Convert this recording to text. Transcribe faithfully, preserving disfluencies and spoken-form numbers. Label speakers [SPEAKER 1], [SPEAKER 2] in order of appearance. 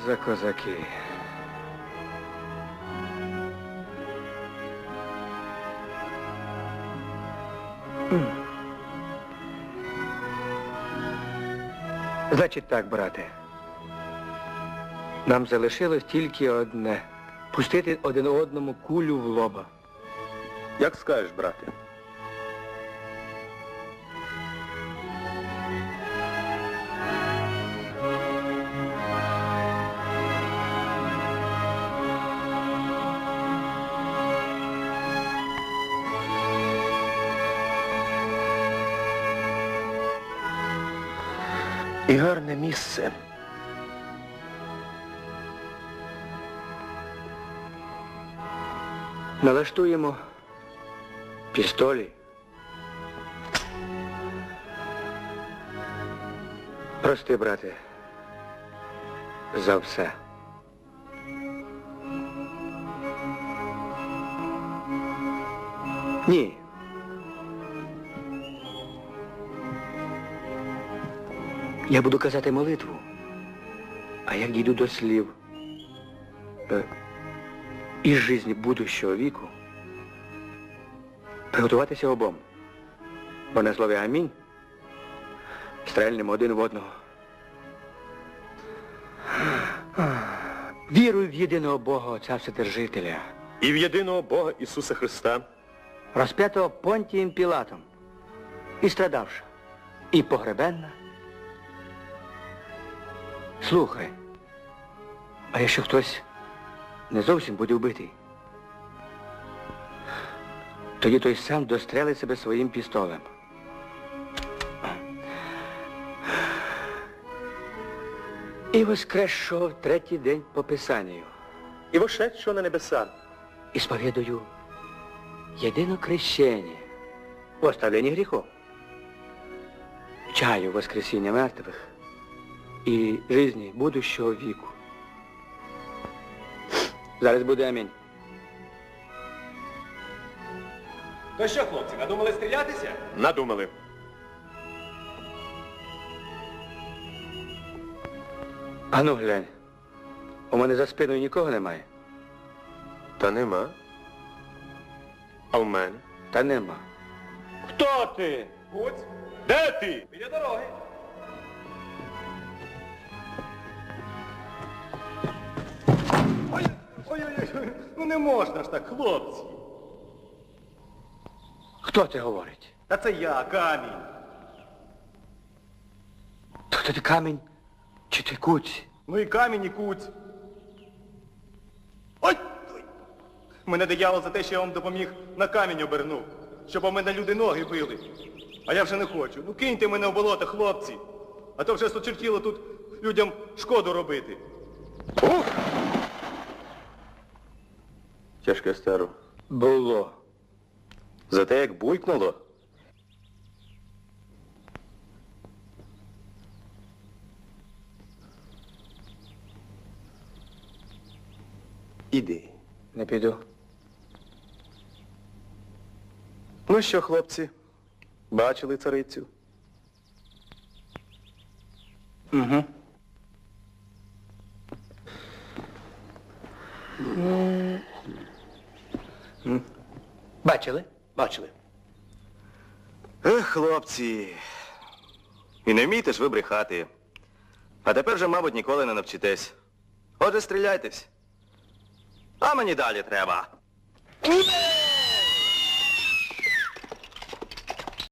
[SPEAKER 1] за козаки? Значить так, брате. Нам залишилось тільки одне. Пустити один одному кулю в лоба.
[SPEAKER 2] Як скажеш, брате. І гарне місце.
[SPEAKER 1] Налаштуємо пістолі. Прости, брате, за все. Ні. Я буду казати молитву, а як дійду до слів е, із житті будущого віку, приготуватися обом, бо на слові амінь стрельнемо один в одного. Вірую в єдиного Бога, Отця Вседержителя.
[SPEAKER 2] І в єдиного Бога Ісуса Христа.
[SPEAKER 1] Розп'ятого Понтієм Пілатом, і страдавша, і погребенна. Слухай, а якщо хтось не зовсім буде вбитий, тоді той сам дострелить себе своїм пістолем. І воскресшого в третій день по Писанню.
[SPEAKER 2] І вошедшого на небеса.
[SPEAKER 1] І сповідую єдине крещення в оставленні гріхов. Чаю воскресіння мертвих і житті будущого віку. Зараз буде амінь.
[SPEAKER 3] То що, хлопці, надумали стрілятися?
[SPEAKER 2] Надумали.
[SPEAKER 1] Ану, глянь. У мене за спиною нікого немає.
[SPEAKER 2] Та нема. А в мене?
[SPEAKER 1] Та нема.
[SPEAKER 2] Хто ти?
[SPEAKER 3] Гуць,
[SPEAKER 2] Де ти?
[SPEAKER 3] біля дороги. Ой-ой-ой, ну не можна ж так, хлопці.
[SPEAKER 1] Хто це говорить?
[SPEAKER 3] Та це я, камінь.
[SPEAKER 1] То хто ти камінь чи ти куць?
[SPEAKER 3] Ну і камінь, і куць. Ой! Ой! Мене диявол за те, що я вам допоміг, на камінь обернув. Щоб у мене люди ноги били. А я вже не хочу. Ну киньте мене в болото, хлопці. А то вже сочертіло тут людям шкоду робити.
[SPEAKER 2] Ух! Тяжке старо.
[SPEAKER 1] Було.
[SPEAKER 2] За те, як буйкнуло. Іди.
[SPEAKER 1] Не піду.
[SPEAKER 2] Ну що, хлопці, бачили царицю?
[SPEAKER 1] Угу. Бачили?
[SPEAKER 2] Бачили. Ех, хлопці. І не вмієте ж ви брехати. А тепер вже, мабуть, ніколи не навчитесь. Отже, стріляйтесь. А мені далі треба.